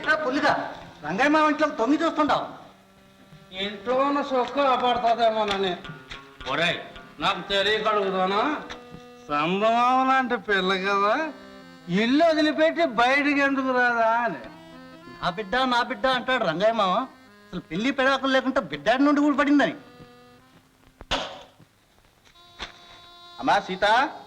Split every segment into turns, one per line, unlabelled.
ఏమిటా పుల్లిగా రంగయ్య మా ఇంట్లో తొంగి చూస్తుంటావు.
ఇంట్లో ఉన్న సొక్కు అపడుతుందేమోనని. ఒరే నాకు తెలియక అడుగుతానా, సంభవం లాంటి పిల్ల కదా, ఇల్లు వదిలిపెట్టి బయటికి ఎందుకు రాదా అని.
నా బిడ్డ అంటాడు రంగయ్య మామ. అసలు పెళ్లి పెడాకులు లేకుండా బిడ్డాడి నుండి కూడా పడిందని. అమ్మా సీత,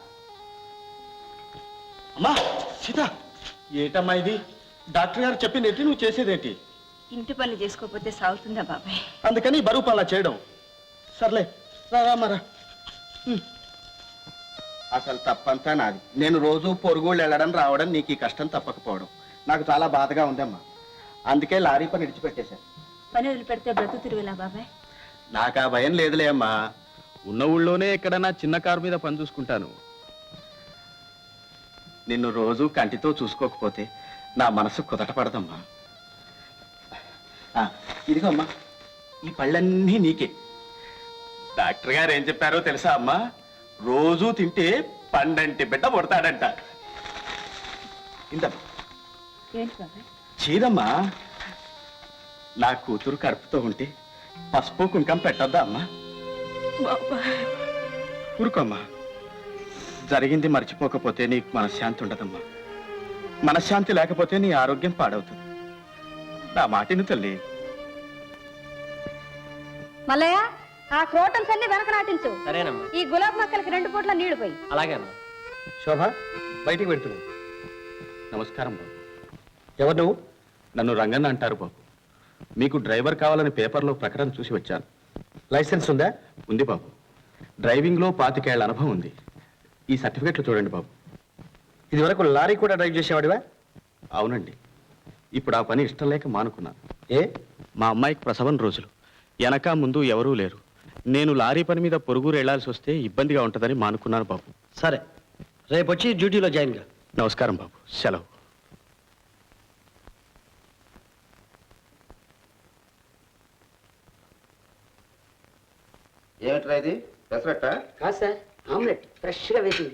అమ్మా సీత, ఏటమ్మా ఇది? డాక్టర్ గారు చెప్పిందేంటి, నువ్వు చేసేదేంటి?
ఇంటి పనులు చేసుకోకపోతే సాగుతుందా బాబాయ్?
అందుకని బరువు పనులా చేయడం. సర్లే రామరా. అసలు తప్పంతా నాది. నేను రోజు పొరుగుళ్ళు వెళ్ళడం రావడం, నీకు ఈ కష్టం తప్పకపోవడం నాకు చాలా బాధగా ఉందమ్మా. అందుకే లారీ పని విడిచిపెట్టేశాను.
పని వదిలిపెడితే బ్రతుకు తిరుగులా బాబాయ్?
నాకు ఆ భయం లేదులే అమ్మా. ఉన్న ఊళ్ళోనే ఎక్కడన్నా చిన్న కారు మీద పని చూసుకుంటాను. నిన్ను రోజు కంటితో చూసుకోకపోతే నా మనసు కుదట పడదమ్మా. ఇదిగో అమ్మా, ఈ పళ్ళన్నీ నీకే. డాక్టర్ గారు ఏం చెప్పారో తెలుసా అమ్మా? రోజూ తింటే పండంటి బిడ్డ పుడతాడంట. ఇంతమ్మా.
ఏంటి బాబాయ్?
చీదమ్మా, నా కూతురు కడుపుతో ఉంటే పసుపు కుంకం పెట్టొద్దా అమ్మా? ఊరుకోమ్మా. జరిగింది మర్చిపోకపోతే నీకు మనశ్శాంతి ఉండదమ్మా. మనశ్శాంతి లేకపోతే నీ ఆరోగ్యం పాడవుతుంది. నా మాటిని తల్లి.
మల్లయ్య, ఆ క్రోటన్స్ అన్ని వెనక నాటించు.
సరేనమ్మా.
ఈ గులాబ్ మొక్కలకి 2 పూట్ల నీళ్లు పోయి.
అలాగే అమ్మా.
శోభ, బయటికి పెడుతున్నావు. నమస్కారం బాబు. ఎవరు నువ్వు? నన్ను రంగన్న అంటారు బాబు. మీకు డ్రైవర్ కావాలని పేపర్లో ప్రకటన చూసి వచ్చాను. లైసెన్స్ ఉందా? ఉంది బాబు. డ్రైవింగ్లో 25 ఏళ్ల అనుభవం ఉంది. ఈ సర్టిఫికెట్లు చూడండి బాబు. ఇది వరకు లారీ కూడా డ్రైవ్ చేసేవాడివా? అవునండి. ఇప్పుడు ఆ పని ఇష్టం లేక మానుకున్నాను. ఏ? మా అమ్మాయికి ప్రసవం రోజులు. వెనక ముందు ఎవరూ లేరు. నేను లారీ పని మీద పొరుగురు వెళ్లాల్సి వస్తే ఇబ్బందిగా ఉంటుందని మానుకున్నాను బాబు.
సరే, రేపు వచ్చి డ్యూటీలో జాయిన్ గా.
నమస్కారం బాబు. సెలవు.
ఏమిట్రా ఇది? పెసరట్ట?
కాదు సార్, ఆమ్లెట్ ఫ్రెష్గా వేసింది.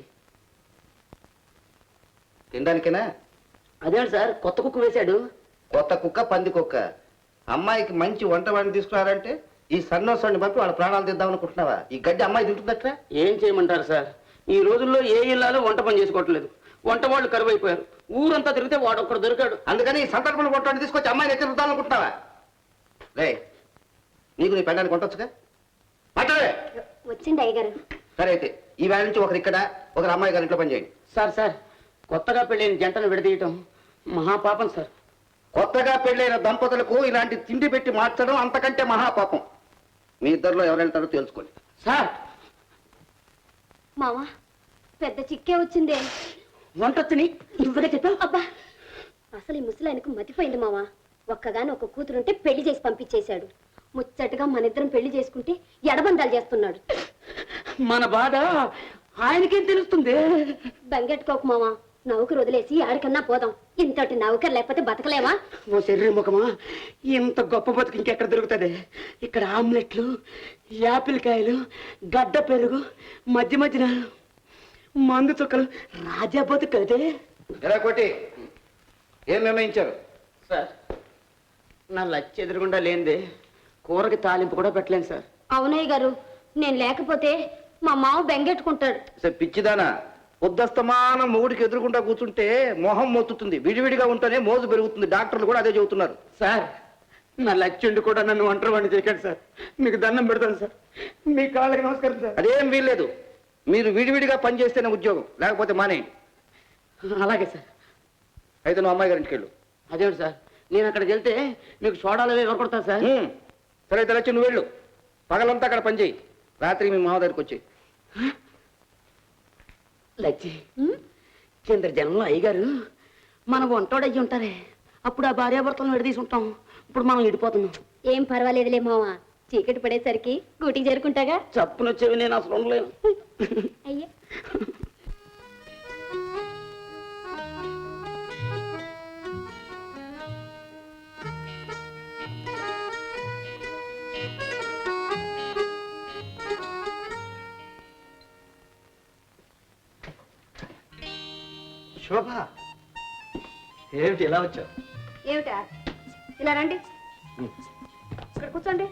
తినడానికేనా?
అదేంటి సార్, కొత్త కుక్క వేశాడు.
కొత్త కుక్క, పంది కుక్క. అమ్మాయికి మంచి వంట వాడిని తీసుకురారంటే ఈ సన్నోసాన్ని పంపి వాళ్ళ ప్రాణాలు తీద్దాం అనుకుంటున్నావా? ఈ గడ్డి అమ్మాయి తింటుందట్రా?
ఏం చేయమంటారు సార్, ఈ రోజుల్లో ఏ ఇల్లాలో వంట పని చేసుకోవట్లేదు. వంట వాళ్ళు కరువైపోయారు. ఊరంతా తిరిగితే వాడు ఒక్కడు దొరికాడు.
అందుకని ఈ సందర్భంలో కొట్టని తీసుకొచ్చి అమ్మాయిని ఎత్తి రుద్దాం అనుకుంటున్నావా? రే, నీకు నీ పెళ్ళాన్ని కొట్టొచ్చుగా? మాట్లాడే.
వచ్చింది అయ్యగారు.
సరే అయితే ఈ వేళ నుంచి ఒకరు ఇక్కడ, ఒకరు అమ్మాయి గారి ఇంట్లో పని చేయండి.
సార్, కొత్తగా పెళ్ళైన జంటను విడదీయటం మహాపాపం సార్.
కొత్తగా పెళ్ళైన దంపతులకు ఇలాంటి తిండి పెట్టి మార్చడం అంతకంటే మహాపాపం. మీ ఇద్దరిలో ఎవరు వెళ్తారో తెలుసుకోండి.
సార్,
మావా, పెద్ద చిక్కే వచ్చిందే.
వంటొచ్చని ఇవ్వగా చెప్పావు.
అబ్బా, అసలు ఈ ముసలాయనకు మతిపోయింది మావా. ఒక్కగాని ఒక కూతురుంటే పెళ్లి చేసి పంపించేశాడు. ముచ్చటగా మనిద్దరం పెళ్లి చేసుకుంటే ఎడబందాలు చేస్తున్నాడు.
మన బాధ ఆయనకేం తెలుస్తుంది?
బెంగెట్టుకోకు మావా, నౌకరు వదిలేసి ఆడికన్నా పోదాం. ఇంతటి నౌకరు లేకపోతే బతకలేమా?
ఓ శరీర ముఖమా, ఇంత గొప్ప బతుకు ఇంకెక్కడ దొరుకుతుంది? ఇక్కడ ఆమ్లెట్లు, యాపిల్ కాయలు, గడ్డ పెరుగు, మధ్య మధ్యన మందు చుక్కలు, రాజా బతుకు కదే.
ఎలా కొట్టి ఏం నిర్ణయించారు?
సార్, నా లచ్చి ఎదురుగుండా లేనిదే కూరకి తాలింపు కూడా పెట్టలేను సార్.
అవునయ్య గారు, నేను లేకపోతే మా మావ బెంగెట్టుకుంటాడు.
పిచ్చిదానా, ఉద్దస్తమానం మొగుడికి ఎదురుకుండా కూర్చుంటే మొహం మొత్తుతుంది. విడివిడిగా ఉంటేనే మోజు పెరుగుతుంది. డాక్టర్లు కూడా అదే చెబుతున్నారు.
సార్, నా లచ్చుండి కూడా నన్ను ఒంటరి వాడిని చేయకండి సార్. మీకు దండం పెడతాను సార్. మీ కాళ్ళకి నమస్కారం సార్.
అదేం వీల్లేదు. మీరు విడివిడిగా పని చేస్తేనే ఉద్యోగం, లేకపోతే మానేయండి.
అలాగే సార్.
అయితే నువ్వు అమ్మాయి గారింటికి వెళ్ళు.
అదేమిటి సార్, నేను అక్కడికి వెళ్తే మీకు సోడాలు ఎవరు కొడతారు సార్?
సరే అయితే లచ్చి నువ్వు వెళ్ళు. పగలంతా అక్కడ పని చేయి, రాత్రి మీ మామ దగ్గరికి వచ్చి.
లచ్చి, కింద జనంలో అయ్యగారు మన వంటోడు అయ్యి ఉంటారే, అప్పుడు ఆ భార్యాభర్తలను విడదీసి ఉంటాం. ఇప్పుడు మనం విడిపోతున్నాం.
ఏం పర్వాలేదులే మావా, చీకటి పడేసరికి గూటికి చేరుకుంటాగా.
చప్పునొచ్చేవి నేను అసలు ఉండలేను.
అయ్యా,
శోభ, ఏమిటి ఇలా వచ్చావు?
ఏమిటా ఇలా రండి ఇక్కడ కూర్చోండి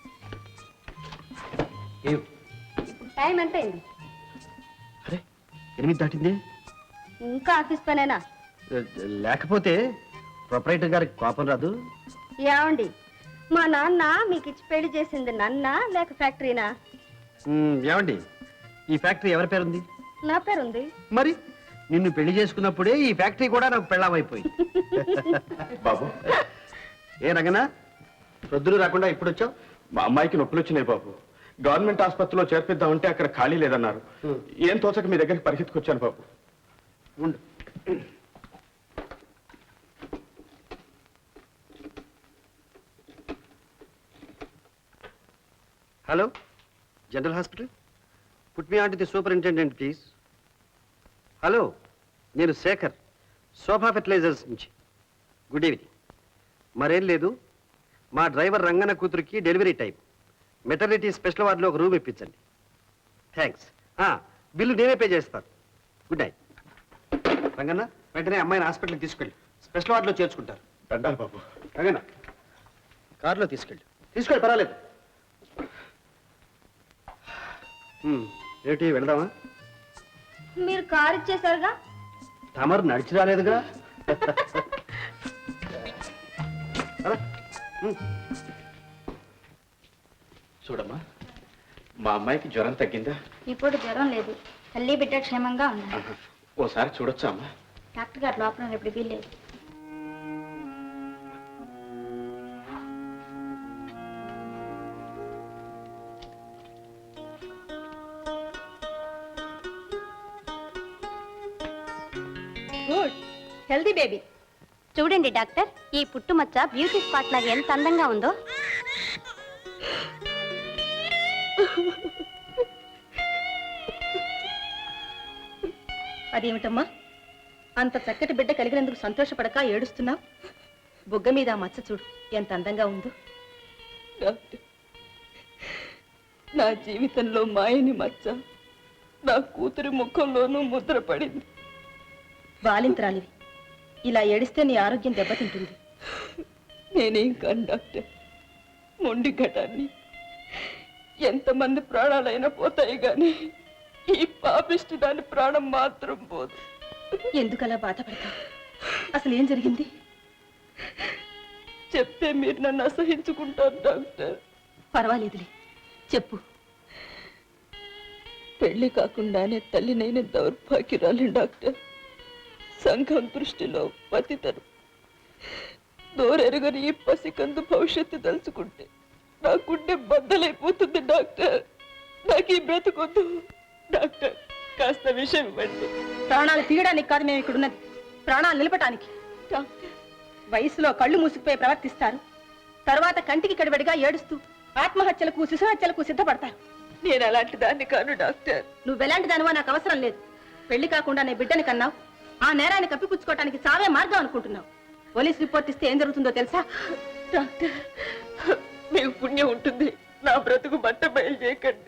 ఇప్పుడు టైం ఎంత అయింది
అరే 8 దాటింది.
ఇంకా ఆఫీస్ పనేనా
లేకపోతే ప్రొపరేటర్ గారికి కోపం రాదు.
ఏమండి మా నాన్న మీకు ఇచ్చి పెళ్లి చేసింది నన్నా లేక ఫ్యాక్టరీనా?
ఏమండి ఈ ఫ్యాక్టరీ ఎవరి పేరుంది?
నా పేరుంది.
మరి నిన్ను పెళ్లి చేసుకున్నప్పుడే ఈ ఫ్యాక్టరీ కూడా నాకు పెళ్ళామైపోయింది.
బాబు,
ఏ రంగనా ప్రొద్దులు రాకుండా ఇప్పుడు వచ్చావు?
మా అమ్మాయికి నొప్పులు వచ్చినాయి బాబు. గవర్నమెంట్ ఆసుపత్రిలో చేర్పిద్దామంటే అక్కడ ఖాళీ లేదన్నారు. ఏం తోచక మీ దగ్గరికి పరిగెత్తుకొచ్చాను బాబు.
ఉండు. Hello, general hospital. Put me on to the superintendent please. Hello, నేను శేఖర్, శోభా ఫెర్టిలైజర్స్ నుంచి. Good evening. మరేం లేదు, మా డ్రైవర్ రంగన్న కూతురికి డెలివరీ టైం. మెటర్నిటీ స్పెషల్ వార్డులో ఒక రూమ్ ఇప్పించండి. థ్యాంక్స్. బిల్లు నేనే పే చేస్తాను. Good night. రంగన్న, వెంటనే అమ్మాయిని హాస్పిటల్కి తీసుకెళ్ళి స్పెషల్ వార్డులో చేర్చుకుంటారు.
దండాలి బాబు.
రంగన్న, కారులో తీసుకెళ్ళి పర్వాలేదు. ఏమిటి, వెళదామా?
మీరు కారు ఇచ్చేసారుగా.
తమరు నడిచి రాలేదుగా. అలా,
చూడమ్మా, మా అమ్మాయికి జ్వరం తగ్గిందా?
ఇప్పుడు జ్వరం లేదు, తల్లి బిడ్డ క్షేమంగా ఉన్నారు.
ఓసారి చూడొచ్చా అమ్మా?
డాక్టర్ గారు లోపల ఇప్పుడు వీల్లేదు. Good, healthy baby. చూడండి డాక్టర్, ఈ పుట్టుమచ్చ బ్యూటీ స్పాట్ లాగా ఎంత అందంగా ఉందో.
అదేమిటమ్మా, అంత చక్కటి బిడ్డ కలిగినందుకు సంతోషపడక ఏడుస్తున్నావు? బుగ్గ మీద ఆ మచ్చ చూడు ఎంత అందంగా ఉందో.
డాక్టర్, నా జీవితంలో మాయని మచ్చ నా కూతురి ముఖంలోనూ ముద్ర పడింది.
బాలింతరాలివి, ఇలా ఏడిస్తే నీ ఆరోగ్యం దెబ్బతింటుంది.
నేనేం కాను డాక్టర్, మొండి ఘటాన్ని. ఎంతమంది ప్రాణాలైనా పోతాయి గాని ఈ పాపిష్టి దాని ప్రాణం మాత్రం పోదు.
ఎందుకలా బాధపడతావు? అసలు ఏం జరిగింది?
చెప్తే మీరు నన్ను అసహించుకుంటారు డాక్టర్.
పర్వాలేదులే, చెప్పు.
పెళ్లి కాకుండానే తల్లినైన దౌర్భాగ్యురాలి డాక్టర్. సంఘం దృష్టిలో పతితను. దూరెరుగని ఈ పసికందు భవిష్యత్తు తలుచుకుంటే నా గుండె బద్దలైపోతుంది డాక్టర్. నాకు ఈ బ్రతుకొద్దు డాక్టర్, కాస్త విషయం ఇవ్వండి.
ప్రాణాలు తీయడానికి కాదు మేము ఇక్కడ ఉన్నది, ప్రాణాలు నిలపటానికి.
డాక్టర్,
వయసులో కళ్ళు మూసుకుపోయి ప్రవర్తిస్తారు, తర్వాత కంటికి కడివడిగా ఏడుస్తూ ఆత్మహత్యలకు శిశుహత్యలకు సిద్ధపడతారు.
నేను అలాంటి దాన్ని కాను డాక్టర్.
నువ్వెలాంటి దానివో నాకు అవసరం లేదు. పెళ్లి కాకుండా నీ బిడ్డని కన్నావు, ఆ నేరాన్ని కప్పిపుచ్చుకోవటానికి చావే మార్గం అనుకుంటున్నావు. పోలీస్ రిపోర్ట్ ఇస్తే ఏం జరుగుతుందో తెలుసా?
డాక్టర్, మీకు పుణ్యం ఉంటుంది, నా బ్రతుకు బట్ట బయలు చేయకండి.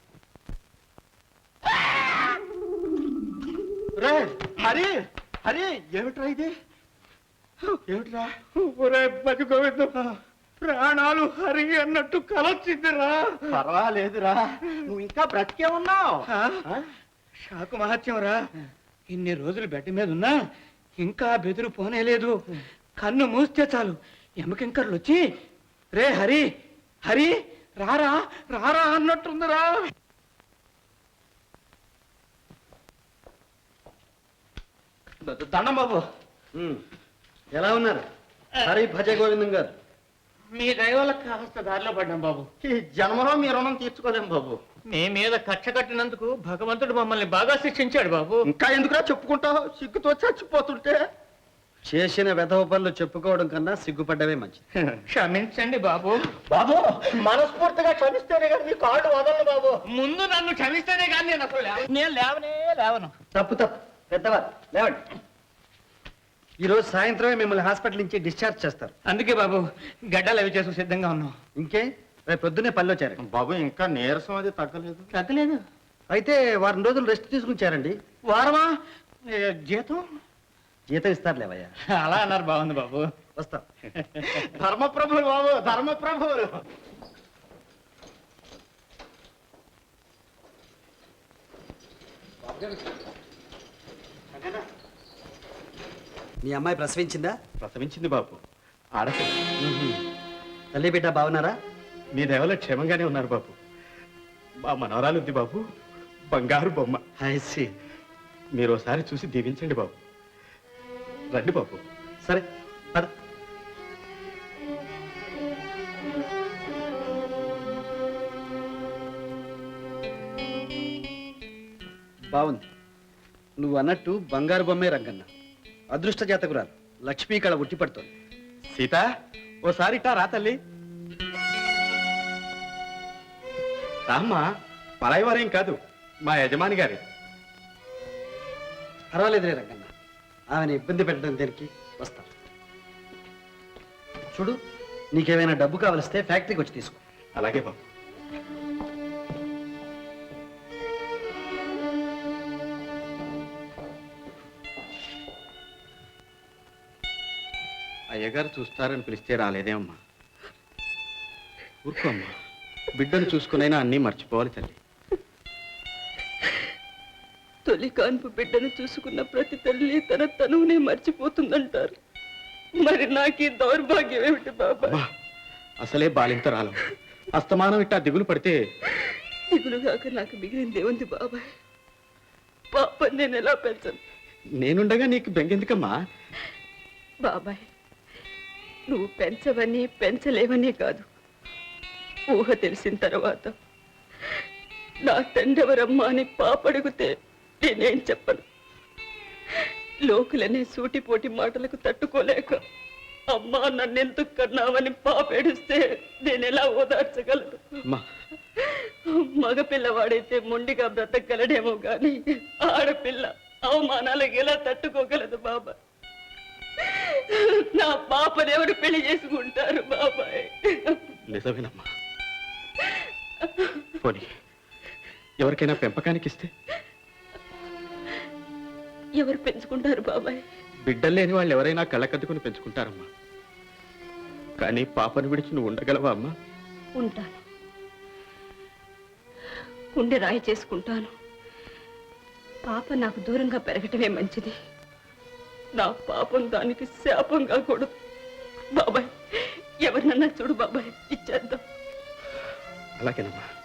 హరి, హరి, ఏమిట్రా ఇది? ఏమిట్రా?
ఒరే బతి గోవిందం, ప్రాణాలు హరి అన్నట్టు కలొచ్చిందిరా.
పర్వాలేదురా, నువ్వు ఇంకా బ్రతికే ఉన్నావు.
షాకు మహత్యం రా. ఇన్ని రోజులు బెడ్ మీద ఉన్నా ఇంకా బెదురు పోనేలేదు. కన్ను మూస్తే చాలు ఎమకింకర్లు వచ్చి రే హరి, హరి రారా రారా అన్నట్టుందిరా.
దండం బాబు. ఎలా ఉన్నారు హరి భజ గోవిందం గారు?
మీ దైవాలకు కాస్త దారిలో పడ్డాం బాబు.
ఈ జన్మలో మీ రుణం తీర్చుకోలేం బాబు.
మీ మీద కక్ష కట్టినందుకు భగవంతుడు మమ్మల్ని బాగా శిక్షించాడు బాబు.
ఇంకా ఎందుకురా చెప్పుకుంటావు? సిగ్గుతో చచ్చిపోతుంటే. చేసిన వెధవ పనులు చెప్పుకోవడం కన్నా సిగ్గుపడ్డమే మంచిది.
క్షమించండి బాబు.
బాబు, మనస్ఫూర్తిగా క్షమిస్తేనే కానీ మీ కాళ్ళు వదలను బాబు.
ముందు నన్ను క్షమిస్తేనే కానీ నేను అసలు నేను లేవను.
తప్పు తప్పు, పెద్దవారు లేవండి. ఈరోజు సాయంత్రమే మిమ్మల్ని హాస్పిటల్ నుంచి డిశ్చార్జ్ చేస్తారు.
అందుకే బాబు గడ్డలు అవి చేసు సిద్ధంగా ఉన్నాం.
ఇంకే, రేపు పొద్దున్నే పనిలో చేరండి.
బాబు, ఇంకా నీరసం అది తగ్గలేదు.
తగ్గలేదు.
అయితే వారం రోజులు రెస్ట్ తీసుకుని
వారమా? జీతం
జీతం ఇస్తారు లేవయ్యా.
అలా అన్నారు. బాగుంది బాబు.
వస్తా.
ధర్మప్రభులు బాబు, ధర్మప్రభువులు.
మీ అమ్మాయి ప్రసవించిందా?
ప్రసవించింది బాబు, ఆడపిల్ల.
తల్లి బిడ్డ బాగున్నారా?
మీ దేవలో క్షేమంగానే ఉన్నారు బాబు. మా మనవరాలు ఉంది బాబు, బంగారు బొమ్మ.
ఐసి.
మీరు ఒకసారి చూసి దీవించండి బాబు. రండి బాబు.
సరే పద. బాగుంది. నువ్వు అన్నట్టు బంగారు బొమ్మే రంగన్న. అదృష్ట జాతకురాలు లక్ష్మీ కళ ఉట్టి పడుతోంది.
సీత, ఓసారి ఇట్టా రా తల్లి. రామ్మా, పరాయివారేం కాదు, మా యజమాని గారి.
పర్వాలేదులే రంగన్న, ఆమెను ఇబ్బంది పెట్టడం దేనికి? వస్తా. చూడు, నీకేమైనా డబ్బు కావలిస్తే ఫ్యాక్టరీకి వచ్చి తీసుకో.
అలాగే బాబు. అయ్యగారు చూస్తారని పిలిస్తే రాలేదేమమ్మా. ఊరుకోమ్మా, బిడ్డను చూసుకునైనా అన్నీ మర్చిపోవాలి తల్లి.
తొలి కాన్పు బిడ్డను చూసుకున్న ప్రతి తల్లి తన తనువునే మర్చిపోతుందంటారు. మరి నాకు ఈ దౌర్భాగ్యం ఏమిటి బాబా?
అమ్మా, అసలే బాలింతరాలు, అస్తమానం ఇట్టా దిగులు పడితే.
దిగులుగాక నాకు మిగిలింది ఏముంది బాబాయ్? పాప నేను ఎలా పెంచను?
నేనుండగా నీకు బెంగెందుకమ్మా?
బాబాయ్, నువ్వు పెంచవని పెంచలేవని కాదు, ఊహ తెలిసిన తర్వాత నా తండ్రెవరమ్మా అని పాప అడిగితే నేనేం చెప్పను. లోకులనే సూటిపోటి మాటలకు తట్టుకోలేక అమ్మా నన్నెందుకు కన్నావని పాప ఏడిస్తే నేనెలా ఓదార్చగలను?
అమ్మా,
మగపిల్లవాడైతే మొండిగా బ్రతకగలడేమో గాని ఆడపిల్ల అవమానాలకు ఎలా తట్టుకోగలదు బాబాయ్? నా పాపని ఎవరు పెళ్లి చేసుకుంటారు బాబాయ్?
నిజమేనమ్మా. పోనీ ఎవరికైనా పెంపకానికి ఇస్తే?
ఎవరు పెంచుకుంటారు బాబాయ్?
బిడ్డలు లేని వాళ్ళు ఎవరైనా కళ్ళకద్దుకుని పెంచుకుంటారమ్మా. కానీ పాపను విడిచి నువ్వు ఉండగలవా అమ్మా?
ఉంటాను, గుండె రాయి చేసుకుంటాను. పాప నాకు దూరంగా పెరగటమే మంచిది. నా పాపం దానికి శాపం కాకూడదు బాబాయ్. ఎవరినన్నా చూడు బాబాయ్, ఇచ్చేద్దాం.
అలాగేనమ్మా.